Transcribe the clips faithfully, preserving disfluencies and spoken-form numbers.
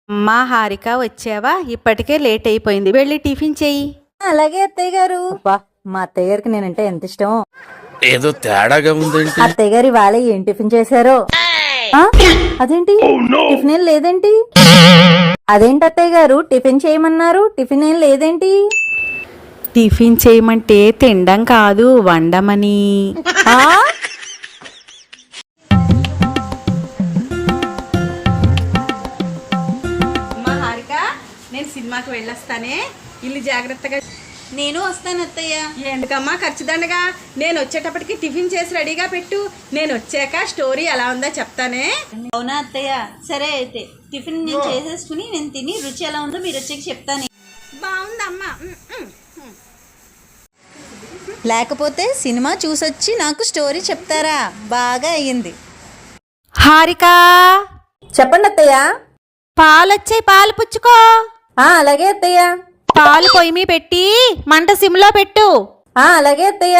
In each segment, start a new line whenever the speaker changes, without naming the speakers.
అమ్మా హారిక వచ్చావా? ఇప్పటికే లేట్ అయిపోయింది, వెళ్ళి టిఫిన్ చెయ్యి.
అలాగే అత్తయ్య గారు. అబ్బా మా అత్తయ్య గారికి నేనంటే ఎంత ఇష్టం.
ఏదో తేడాగా ఉందేంటి?
అత్తయ్య గారు ఇవాళ ఏం టిఫిన్ చేశారో? ఆ, అదేంటి టిఫిన్ ఏం లేదేంటి? అదేంటి అత్తయ్య గారు టిఫిన్ చేయమన్నారు, టిఫిన్ ఏం లేదేంటి?
టిఫిన్ చేయమంటే తినడం కాదు, వండమని.
ఆ
అమ్మా హారిక, నేను సినిమాకి వెళ్ళొస్తానే, ఇల్లు జాగ్రత్తగా.
నేను వస్తాను అత్తయ్య.
ఎందుకమ్మా ఖర్చుదండగా? నేను వచ్చేటప్పటికి టిఫిన్ చేసి రెడీగా పెట్టు, నేను వచ్చాక స్టోరీ ఎలా ఉందో చెప్తానే.
అవునా అత్తయ్య, సరే అయితే టిఫిన్ నేను చేసేసుకుని నేను తిని రుచి ఎలా ఉందో మీరు వచ్చాక చెప్తాను.
బాగుందమ్మా.
లేకపోతే సినిమా చూసొచ్చి నాకు స్టోరీ చెప్తారా? బాగా అయ్యింది.
హారిక,
చెప్పండి అత్తయ్య.
పాలొచ్చాయి, పాలు పుచ్చుకో.
ఆ అలాగే అత్తయ్య.
పాలు పొయ్యి మీద పెట్టి మంట సిమ్లో పెట్టు.
ఆ అలాగే అత్తయ్య.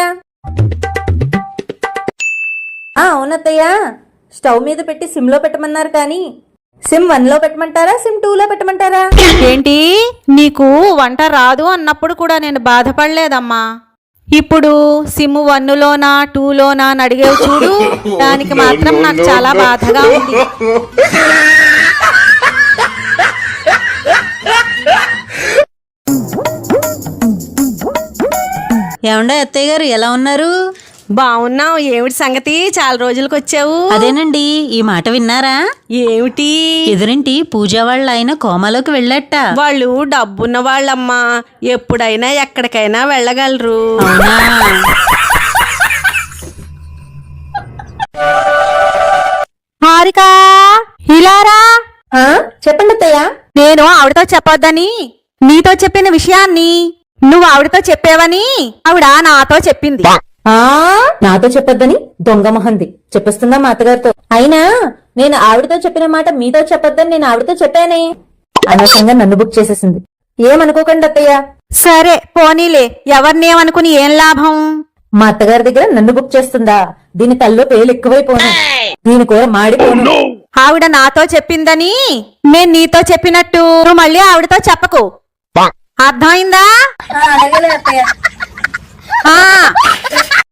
ఆ అవునత్తయ్య, స్టవ్ మీద పెట్టి సిమ్ లో పెట్టమన్నారు కానీ సిమ్ వన్ లో పెట్టమంటారా, సిమ్ టూ లో పెట్టమంటారా?
ఏంటి, నీకు వంట రాదు అన్నప్పుడు కూడా నేను బాధపడలేదమ్మా. ఇప్పుడు సిమ్ వన్నులోనా టూలోనా అని అడిగేవి చూడు, దానికి మాత్రం నాకు చాలా బాధగా ఉంది.
ఏమండా అత్తయ్య గారు, ఎలా ఉన్నారు?
బాగున్నావు. ఏమిటి సంగతి, చాలా రోజులకు వచ్చావు?
అదేనండి, ఈ మాట విన్నారా?
ఏమిటి?
ఎదురింటి పూజా వాళ్ళ ఆయన కోమాలోకి వెళ్ళట.
వాళ్ళు డబ్బున్న వాళ్ళమ్మా, ఎప్పుడైనా ఎక్కడికైనా వెళ్ళగలరు.
అవునా?
హారిక, ఇలారా.
చెప్పండి అత్తయ్య.
నేను ఆవిడతో చెప్పొద్దని నీతో చెప్పిన విషయాన్ని నువ్వు ఆవిడతో చెప్పావని ఆవిడ నాతో చెప్పింది.
ఆ నాతో చెప్పొద్దని దొంగ మొహంది చెప్పిస్తుందా మా అత్తగారితో? అయినా నేను ఆవిడతో చెప్పిన మాట మీతో చెప్పొద్దని నేను ఆవిడతో చెప్పానే. అనవసరంగా నన్ను బుక్ చేసేసింది. ఏమనుకోకండి అత్తయ్య.
సరే పోనీలే, ఎవరినేమనుకుని ఏం లాభం?
మా అత్తగారి దగ్గర నన్ను బుక్ చేస్తుందా? దీని తల్లో పేలు ఎక్కువైపోను, దీని కూర మాడిపోను.
ఆవిడ నాతో చెప్పిందని నేను నీతో చెప్పినట్టు నువ్వు మళ్ళీ ఆవిడతో చెప్పకు, అర్థమైందా?
అలాగే అత్తయ్య.
ఆ